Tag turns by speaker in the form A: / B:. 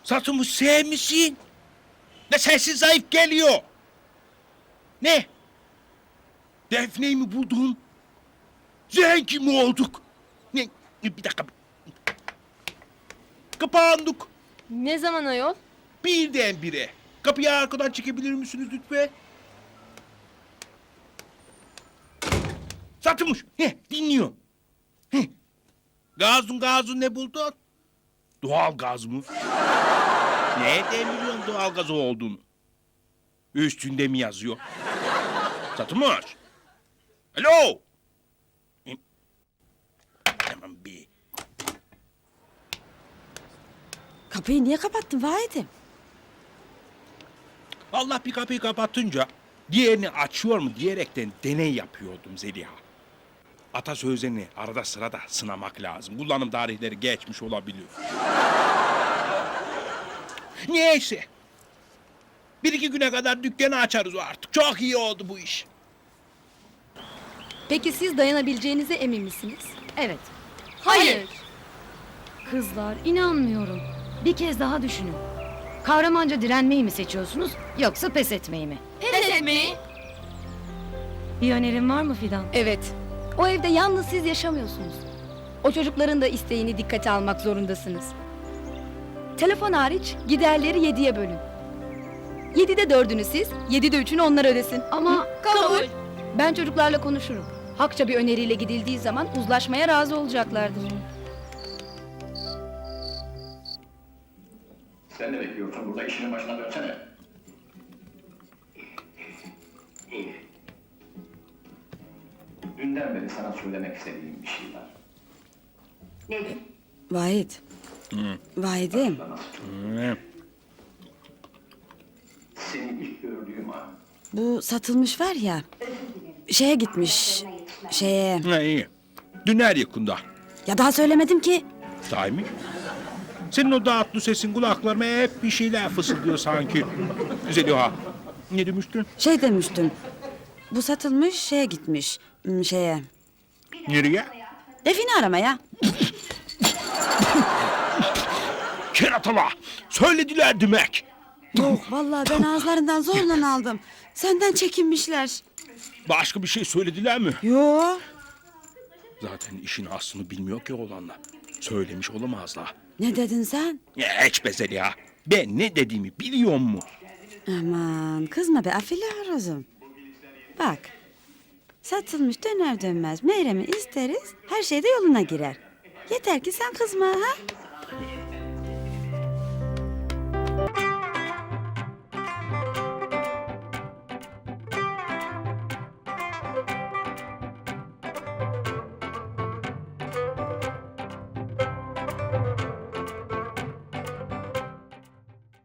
A: Satılmış sevmişsin. Ne sesin zayıf geliyor. Ne? Defne'yi mi buldun? Zenci mi olduk? Ne? Bir dakika. Kapandık.
B: Ne zaman ayol?
A: Birdenbire. Kapıyı arkadan çekebilir misiniz lütfen? Satılmış. Dinliyorum. Gazun ne buldun? Doğal gaz mı? Nereden biliyorsun doğal gaz olduğunu? Üstünde mi yazıyor? Satılmış. Alo. Tamam bir.
C: Kapıyı niye kapattın Vahit'im?
A: Allah bir kapıyı kapatınca diğerini açıyor mu diyerekten deney yapıyordum Zeliha. Atasözlerini arada sırada sınamak lazım. Kullanım tarihleri geçmiş olabilir. Neyse. Bir iki güne kadar dükkanı açarız artık. Çok iyi oldu bu iş.
B: Peki siz dayanabileceğinize emin misiniz?
D: Evet.
B: Hayır.
D: Kızlar inanmıyorum. Bir kez daha düşünün. Kahramanca direnmeyi mi seçiyorsunuz yoksa pes etmeyi mi?
B: Pes etmeyi.
D: Bir önerin var mı Fidan?
B: Evet. O evde yalnız siz yaşamıyorsunuz. O çocukların da isteğini dikkate almak zorundasınız. Telefon hariç giderleri 7'ye bölün. 7'de 4'ünü siz, 7'de 3'ünü onlar ödesin.
D: Ama
B: Kabul. Ben çocuklarla konuşurum. Hakça bir öneriyle gidildiği zaman uzlaşmaya razı olacaklardır.
E: Sen ne bekliyorsun burada? İşinin başına dönsene. Dünden beri sana söylemek istediğim bir şey var.
C: Vahit. Vahit'im.
E: Seni ilk gördüğüm an
C: Bu satılmış var ya. Şeye gitmiş. Şeye.
A: İyi. Dün yakında.
C: Ya daha söylemedim ki.
A: Sahi mi? Senin o dağıtlı sesin kulaklarıma hep bir şeyler fısıldıyor sanki. Zeliha. Ne demiştin?
C: Şey demiştim. Bu satılmış şeye gitmiş. Şeye.
A: Nereye?
C: Define aramaya.
A: Keratala. Söylediler demek.
C: Yok vallahi ben ağızlarından zorla aldım. Senden çekinmişler.
A: Başka bir şey söylediler mi?
C: Yo.
A: Zaten işin aslını bilmiyor ki oğlanlar. Söylemiş olamazlar.
C: Ne dedin sen?
A: Ya hiç be Zeliha. Ben ne dediğimi biliyor mu?
C: Aman kızma be afili horozum. Bak. Satılmış döner dönmez Meyrem'i isteriz. Her şey de yoluna girer. Yeter ki sen kızma ha.